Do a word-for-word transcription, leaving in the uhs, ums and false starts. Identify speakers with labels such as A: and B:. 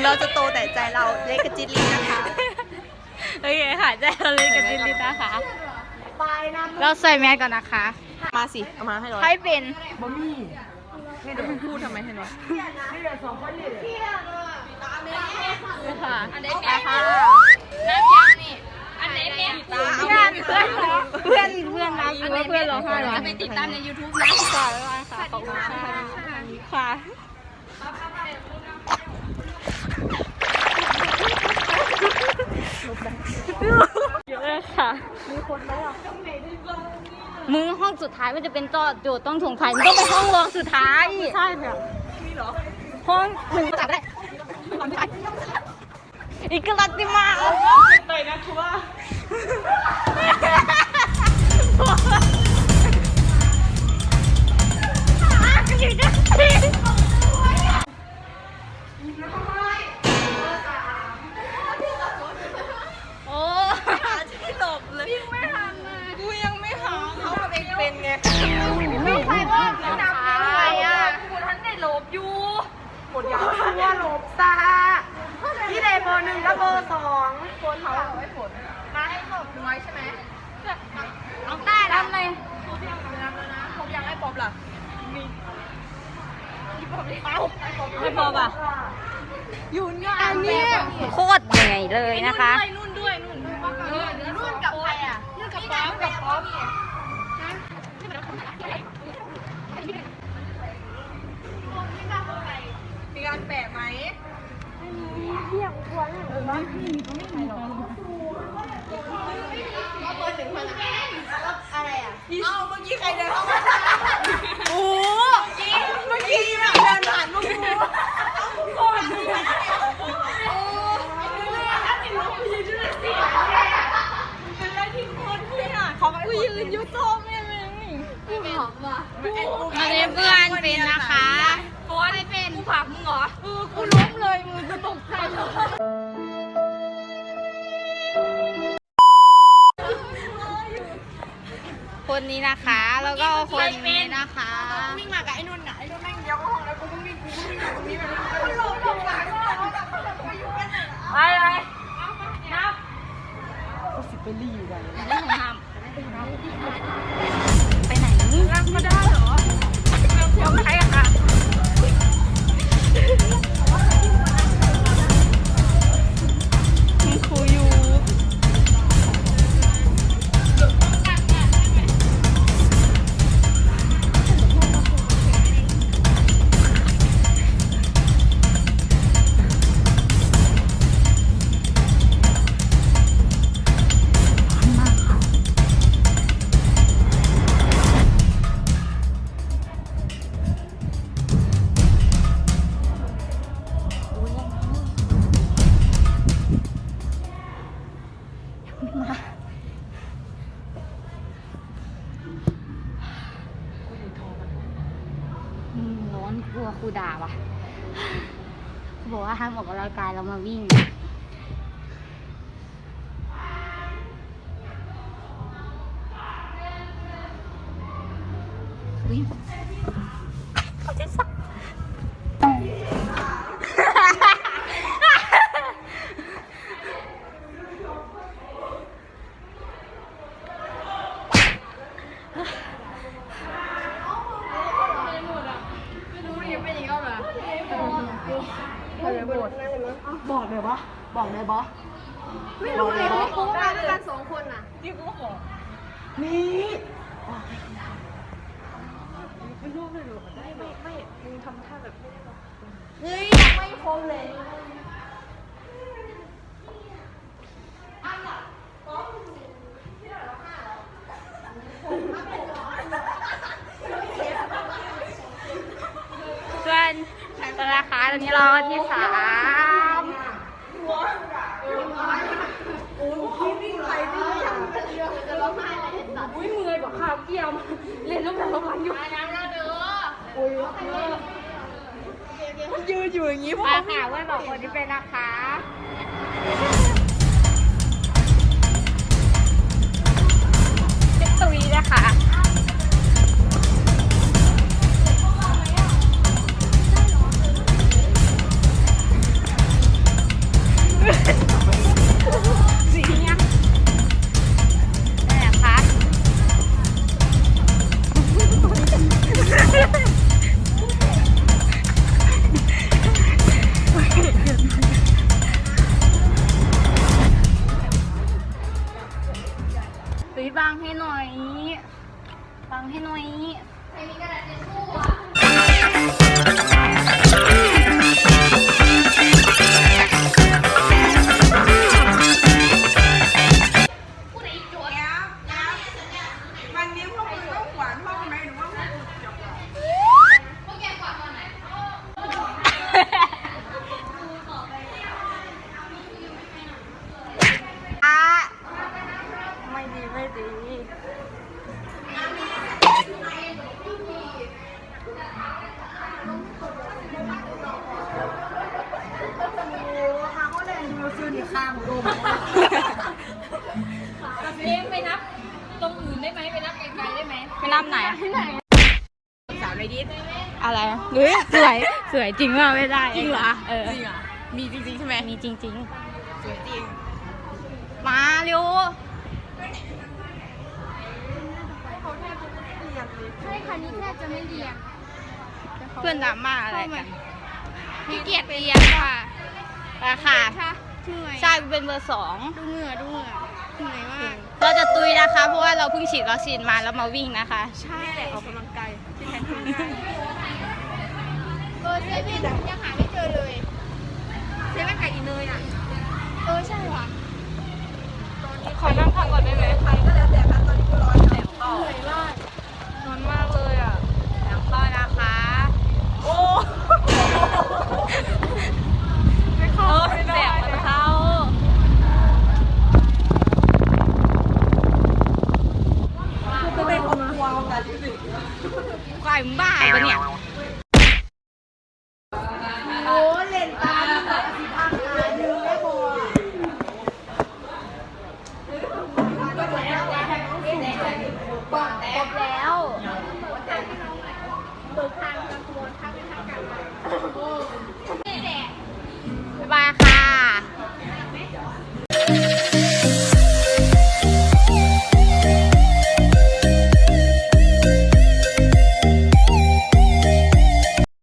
A: เราจะโตแต่ใจเราเล็กกระจิตลินะคะ
B: โอเคค่ะใจเราเล็กกระจิตลินะคะเราใส่แมสก่อนนะคะ
A: มาสิเอามาให้เรา
B: ให้เป็น
A: บะหมี่ให้เดี๋ยวพูดทำไมให้เรา
B: ค่ะ
A: อันนี้แม่ค่ะ
B: น้ำยางนี่อันไหนแม่เพื่อนเพื่อนเพื่อนเพื่อนรักหรือว่าเพื่อนร้องไห้จะไปติดตามใน ยูทูบ นะค่ะค่ะขอบคุณค่ะเยอะค่ะมีคนไหมอ่ะมึงห้องสุดท้ายมันจะเป็นโจทย์โจทย์ต้องสงสัยมึงต้องไปห้องรองสุดท้าย
A: ใช่ค่ะมีเหรอ
B: ห้องหนึ่งจับได้อีกกลัดติมา
A: ไปนะคือว่า
B: โอ้
A: ไม่หลบเลยยังไม่หันเลยกูยังไม่หาเขาทำเองเป็นไง
B: ไม่ใครว่าไม่นับเลยอ่ะกูทันได้หลบอยู่
A: หมดยาวตัวหลบซาพี่เดโบหนึ่งกับโบสองคนเขาเอาไว้ผลมาให้ขอบน้อยใช่ไหม
B: น้องได้ทำเลย
A: ครบยังนับแล้วนะครบยังให้ป๊อปล่ะมีพี่ป๊อปดิเอา
B: ไม่พอป่ะ
A: อยู่เนี่ย
B: อันนี้โคตรเหนื่อยเลยนะคะ
A: นุ่นด้วยนุ่นด้วยนุ่นกับใครอ่ะนุ่นกับป๊อปกับป๊อปมีการแปะไหมเรียกควรเออไม่มีเขาไม่มีหรอกเขาเปิดถึงพันอะไรอ่ะเอ้าเมื่อกี้ใครเดินเข้ามาโอ้เมื่อกี้แบบเดินผ่านลูกกูโคตรดีโอ้เป็นอะไรที่โคตรเที่ยเขากูยืนยุโต้แม่เลยกูหอมว่ะ
B: อันนี้เพื่อนเป็นนะคะ
A: โค้ดได้เป็นกูผักมึงเหรอเออกูล้มเลยมึงจะตกใจเหรอ
B: คนนี้นะคะแล้วก็คนนี้นะคะ
A: วิ่งมากับไอ้นุ่นน่ะไอ้นุ่นแม่งเดียวก็ห้องแล้วกูก็วิ่งกูก็วิ่งตรงนี้แบบกูล้มลงหลังก็แล้วแบบไปอยู่กันไปไปนับกูสิไปรีอยู่กัน
B: ไม่ต้องทำไปไหน
A: รักมาได้เหรอเดี๋ยวใครอะค่ะ
B: มีครูอยู่ร้อนกลัวครูด่าว่ะบอกว่าห้ามออกกำลังกายเรามาวิ่งวิ่งเขาจะสัก
A: บอกเลยปะบอกเลยปะไม่รู้เลยเขามาด้วยกันสองคนน่ะที่กูบอกนี่ไม่รู้เลยหรอไม่ไม่ไม่มึงทำท่าแบบเฮ้ยยังไม่คมเลย
B: เพื่อนตอนนะคะตอนนี้เราที่สาม
A: โอ้ยคิดวิ่งไปวิ่งจะร้องไห้เลยอุ้ยเมื่อยกว่าข้าวเกี่ยวเล่นแล้วแบบร้องไห้อยู่น้ำแล้วเด้อโอ้ยมันยืนอยู่อย่างนี้พวก
B: มาค่ะเพื่อนบอกคนที่เป็นนะคะเป็นตุยนะคะ
A: เ
B: ดั้มไหน
A: สาวในดิส
B: อะไรเฮ้ยสวยสวยจริงว่าไม่ได้
A: จริงเหรอ
B: เออ
A: จริงเหรอมีจริงๆใช่ไหม
B: มีจริง
A: สวยจริง
B: ๆ มาเร็ว
C: ใช่ค่ะนี่แทบจะไม่เรียน
B: เพื่อนดราม่าอะไรกัน
C: พี่เกียรติเรียนค่ะ
B: ราคา
C: เหนื่อย
B: ใช่กูเป็นเบอร์สอง
C: ดูเหงื่อดูเหงื่อเหนื่อยมาก
B: เราจะตุยนะคะ เพราะว่าเราเพิ่งฉีดวัคซีนมาแล้วมาวิ่งนะคะ
C: ใช่
A: แหละออกกำลังกายที่แทนคุณได้
C: เออเซเว่นยังหาไม่เจอเลย
A: เซเว่นไก่อีเนยอ่ะ
C: เออใช่ว่ะ
B: ขอนั่งพักก่อนได้ไหม
A: ใครก็แล้วแต่ครับตอนนี้กูร้อนแสบคอ
C: เหนื่อยมาก
B: ร้อนมากเลยอ่ะแล้วก็นะคะ
A: โอ้
B: ไม่เข้าไม่ได้ไม่เข้า
A: กูเป็นคนกลัวกัน
B: ควายมึงบ้าปะเนี่ย
A: โอ้เล่นตาดูแบบสีทางการหนึ่งได้บ่บอกแล้ว
B: บ๊ายบายค่ะ